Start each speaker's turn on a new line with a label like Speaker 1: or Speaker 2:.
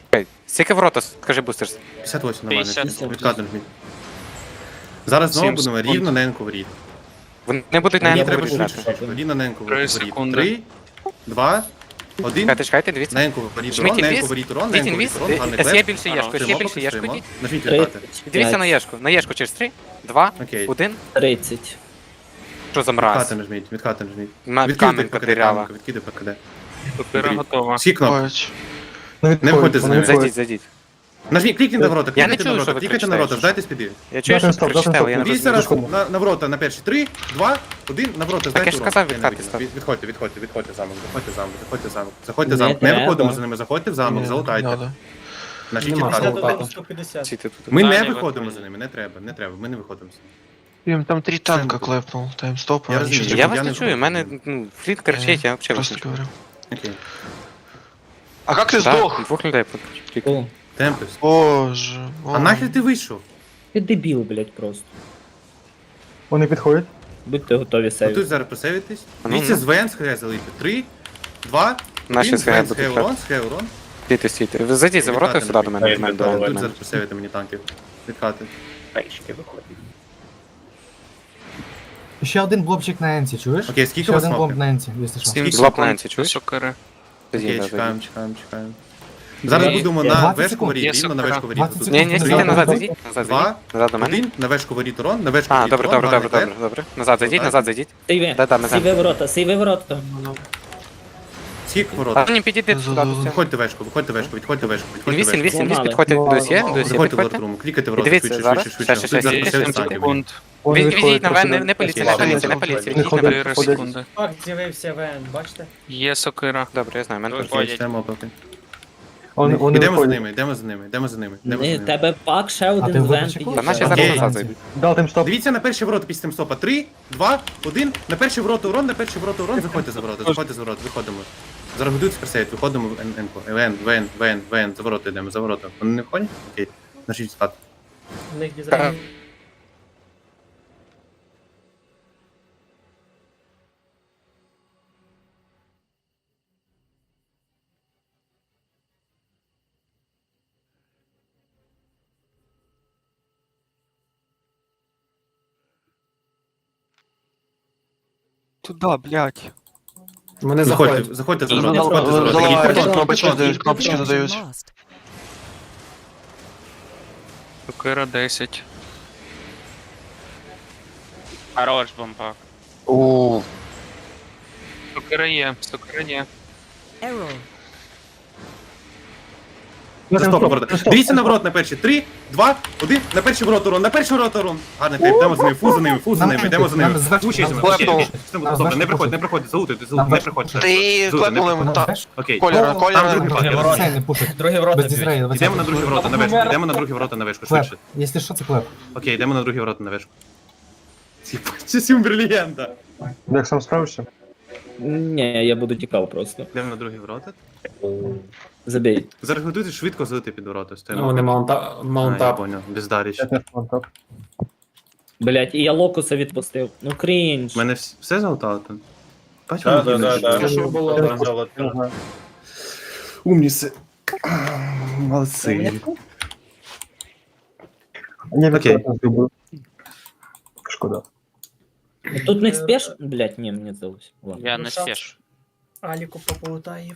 Speaker 1: Скільки ворота, скажи, бустерс?
Speaker 2: 58 нормально.
Speaker 3: 50.
Speaker 2: Відкатом жміть. Зараз знову
Speaker 1: 7
Speaker 2: будемо
Speaker 1: секунд.
Speaker 2: рівно на енку воріт.
Speaker 1: Вони будуть на
Speaker 2: Мені
Speaker 1: енку
Speaker 2: треба
Speaker 1: вирішати.
Speaker 2: швидше. Рівно на енку
Speaker 3: 3
Speaker 2: воріт.
Speaker 3: секунди.
Speaker 2: 3, 2, 1.
Speaker 1: Чекайте, дивіться.
Speaker 2: На енку воріт
Speaker 1: Жміть
Speaker 2: урон, на енку
Speaker 1: інвіз.
Speaker 2: воріт урон, на
Speaker 1: Жміть
Speaker 2: енку воріт
Speaker 1: інвіз.
Speaker 2: урон. Гарний
Speaker 1: Є
Speaker 2: клеп.
Speaker 1: більше єшку, є
Speaker 2: Стоїмо,
Speaker 1: більше єшку.
Speaker 2: стоїмо.
Speaker 1: Йдіть.
Speaker 2: Нажміть відкати.
Speaker 1: Дивіться на єшку. На єшку через 3, 2,
Speaker 2: Окей.
Speaker 1: 1.
Speaker 4: 30.
Speaker 1: Що за мразь?
Speaker 2: Відкати нажміть, відкати нажміть.
Speaker 1: Камінь потеряла.
Speaker 2: Відкиди ПКД.
Speaker 3: Сокира готова.
Speaker 2: Всі кнопки.
Speaker 5: Не
Speaker 2: Не виходьте з ними.
Speaker 1: Зайдіть, зайдіть.
Speaker 2: Нажміть, клікніть на ворота,
Speaker 1: Я не
Speaker 2: клікайте на
Speaker 1: чую,
Speaker 2: ворота,
Speaker 1: що ви
Speaker 2: клікайте на ворота,
Speaker 1: кричите.
Speaker 2: здайте спіди.
Speaker 1: Я чую, що ви кричите, але я не
Speaker 2: Дивіться
Speaker 1: розумію.
Speaker 2: раз на ворота на перші. 3, 2, 1, на ворота, здайте
Speaker 1: я ж
Speaker 2: урон.
Speaker 1: сказав,
Speaker 2: Я не
Speaker 1: відкати
Speaker 2: видів.
Speaker 1: став.
Speaker 2: Відходьте замок, заходьте замок. Заходьте
Speaker 4: Не
Speaker 2: замок, не
Speaker 4: треба.
Speaker 2: виходимо за ними, заходьте в замок, залутайте. Нажміть
Speaker 5: Нема
Speaker 2: відкати.
Speaker 5: залутати.
Speaker 6: 150.
Speaker 1: Ці тут.
Speaker 2: Ми не
Speaker 3: Далі
Speaker 2: виходимо
Speaker 3: виходимо.
Speaker 2: за ними, не треба, ми не виходимо.
Speaker 5: Їм там 3 танка клепнул, таймстоп,
Speaker 2: Я
Speaker 5: а
Speaker 2: розумію.
Speaker 5: нічого
Speaker 1: Я
Speaker 2: Я
Speaker 1: вас
Speaker 2: не
Speaker 1: не чую,
Speaker 2: виходжу.
Speaker 1: в мене фліт кричить, я взагалі вас
Speaker 5: просто
Speaker 1: не чую.
Speaker 5: говорю.
Speaker 2: Окей.
Speaker 5: А как ты
Speaker 1: Так,
Speaker 5: сдох?
Speaker 1: двох людей покликали.
Speaker 4: О,
Speaker 2: Темпес.
Speaker 5: Боже.
Speaker 2: А нахер ти вийшов?
Speaker 4: ти дебіл, блядь, просто.
Speaker 7: Вони підходять.
Speaker 4: Будьте готові
Speaker 2: Тут
Speaker 4: сейвити.
Speaker 2: зараз просевитись.
Speaker 1: Ну,
Speaker 2: Дивіться
Speaker 1: ну.
Speaker 2: з ВН з ХГ залити. 3, 2,
Speaker 1: Наші
Speaker 2: 1,
Speaker 1: з ХГ
Speaker 2: ВН з
Speaker 1: будуть
Speaker 2: ХГ урон, з ХГ урон.
Speaker 1: Стійте, стійте. Ви зайдіть за ворота сюди до мене, до мене, до мене, до
Speaker 2: Тут
Speaker 1: мене.
Speaker 2: зараз просевити мені танків. Відкати.
Speaker 4: Печки виходять.
Speaker 7: Ще один блобчик на енці, чуєш?
Speaker 2: Окей, скільки
Speaker 7: Ще
Speaker 2: у вас
Speaker 7: один блоб
Speaker 2: смоків?
Speaker 7: на енці, якщо що.
Speaker 3: 7
Speaker 1: Блок
Speaker 3: секунд.
Speaker 1: на енці, чуєш?
Speaker 3: Сокири.
Speaker 2: Окей,
Speaker 1: Зайдіть,
Speaker 2: чекаємо.
Speaker 4: Ні,
Speaker 2: Зараз будемо на
Speaker 7: 20
Speaker 2: вешку
Speaker 7: секунд.
Speaker 2: воріт,
Speaker 3: Є
Speaker 2: рівно на
Speaker 3: сокира.
Speaker 2: вешку воріт.
Speaker 7: 20
Speaker 2: Тут.
Speaker 7: секунд.
Speaker 1: Ні, ні, стійте назад, зайдіть. Назад
Speaker 2: Два,
Speaker 1: зайдіть. Назад до мене.
Speaker 2: 1, на вешку воріт урон, на вешку
Speaker 1: А,
Speaker 2: воріт
Speaker 1: добре,
Speaker 2: урон.
Speaker 1: добре, добре,
Speaker 2: гарний
Speaker 1: добре, добре. Назад зайдіть, назад зайдіть.
Speaker 4: Сейве.
Speaker 1: Да, ми
Speaker 4: Сейве ворота, сейве ворота.
Speaker 2: Скільки
Speaker 1: А
Speaker 2: ворот?
Speaker 1: ні, підійдіть сюди. до цього.
Speaker 2: Виходьте вешку, виходьте вешку, відходьте вешку, відходьте
Speaker 1: Інвіз,
Speaker 2: вешку.
Speaker 1: інвіз, інвіз,
Speaker 4: Помали.
Speaker 1: підходьте до сє, до сє,
Speaker 2: Виходьте в
Speaker 1: підходьте.
Speaker 2: лотруму, клікайте в
Speaker 1: І
Speaker 2: ворота,
Speaker 1: дивіться,
Speaker 2: швидше,
Speaker 1: зараз.
Speaker 2: швидше, швидше.
Speaker 1: Ще,
Speaker 2: Тут зараз
Speaker 1: ще,
Speaker 3: 8
Speaker 2: просевить танків.
Speaker 3: секунд.
Speaker 7: Вони
Speaker 1: Відійдіть на
Speaker 7: відходять,
Speaker 1: мене, не поліція, не поліція, не поліція. Відійдіть на мене.
Speaker 3: 4 секунди.
Speaker 6: Так, з'явився ВН, бачите?
Speaker 3: Є сокира.
Speaker 1: Добре, я знаю, мене теж.
Speaker 3: Виходять.
Speaker 2: Йдемо поки.
Speaker 7: Вони
Speaker 2: Йдемо за
Speaker 7: виходять.
Speaker 2: ними, йдемо за ними, йдемо за ними.
Speaker 4: Не, тебе пак ще
Speaker 7: А ти
Speaker 4: один
Speaker 7: в
Speaker 4: вен
Speaker 7: випадку?
Speaker 1: Та наші
Speaker 4: підійшов.
Speaker 1: зараз
Speaker 2: Окей.
Speaker 1: назад зайдуть.
Speaker 7: Дав таймстоп.
Speaker 2: Дивіться на перші ворота після таймстопа. 3, 2, 1. На перші ворота урон, на перші ворота урон. Заходьте за ворота, заходьте за ворота, виходимо. Зараз будуть скорсейт, виходимо в Енку. ВН, за ворота йдемо, за ворота. Вони не входять? Окей. Нажіть стат.
Speaker 6: У них дизайн.
Speaker 5: Туда, блядь.
Speaker 7: Вони
Speaker 2: Заходьте, заходьте за ворота,
Speaker 4: Заходьте
Speaker 2: заходьте за ворота.
Speaker 4: Заливають.
Speaker 2: Їдьте в
Speaker 5: Кнопочки
Speaker 2: бетон.
Speaker 5: задають, кнопочки задають.
Speaker 3: Сокира 10.
Speaker 8: Хорош бомбак.
Speaker 5: О,
Speaker 3: Сокира є, сокира є.
Speaker 2: За стопа ворота. Дивіться на ворот на перші. 3, 2, 1. На перші ворота урон, на перші ворота урон. Гарний тейп, йдемо за ними, фу за ними, фу за ними, йдемо за ними.
Speaker 7: Нам зверху,
Speaker 2: Учись,
Speaker 7: нам
Speaker 5: зверху.
Speaker 2: Добре, не приходь, залутайте, не приходь.
Speaker 5: ти клепнули йому та.
Speaker 2: Окей.
Speaker 5: Колера,
Speaker 2: Там
Speaker 5: колера.
Speaker 2: другий факт, я розумію.
Speaker 7: Це не пушить.
Speaker 6: Другі ворота
Speaker 7: Без
Speaker 6: б'ють.
Speaker 7: дізрею.
Speaker 2: Йдемо на другі ворота на вешку, йдемо на другі ворота на вешку,
Speaker 7: Клеп.
Speaker 2: швидше.
Speaker 7: Якщо що, це клеп.
Speaker 2: Окей, йдемо на другі ворота на вешку. Це Сюмбер легенда.
Speaker 7: Як сам справишся?
Speaker 4: Ні, я буду тікав просто.
Speaker 2: Йдемо на другі ворота.
Speaker 4: Забій.
Speaker 2: Зараз готуйтесь швидко залити під ворота. Стоїмо.
Speaker 6: Вони
Speaker 2: А, я
Speaker 6: маунтап.
Speaker 2: понял, бездаріч.
Speaker 7: Я теж плантав.
Speaker 4: Блять, і я локуса відпустив. Ну крінж.
Speaker 2: У мене все залутало тут? Бать, воно
Speaker 6: Що було?
Speaker 7: Не знаю.
Speaker 2: Умніси. Молодці.
Speaker 7: Я
Speaker 2: Окей.
Speaker 7: відкладно зроблю. Шкода.
Speaker 4: Тут не спеш? Блять, ні, мені здалося. Ладно.
Speaker 8: Я
Speaker 6: Ну,
Speaker 8: не
Speaker 6: шанс.
Speaker 8: спішу.
Speaker 6: Аліку пополутає.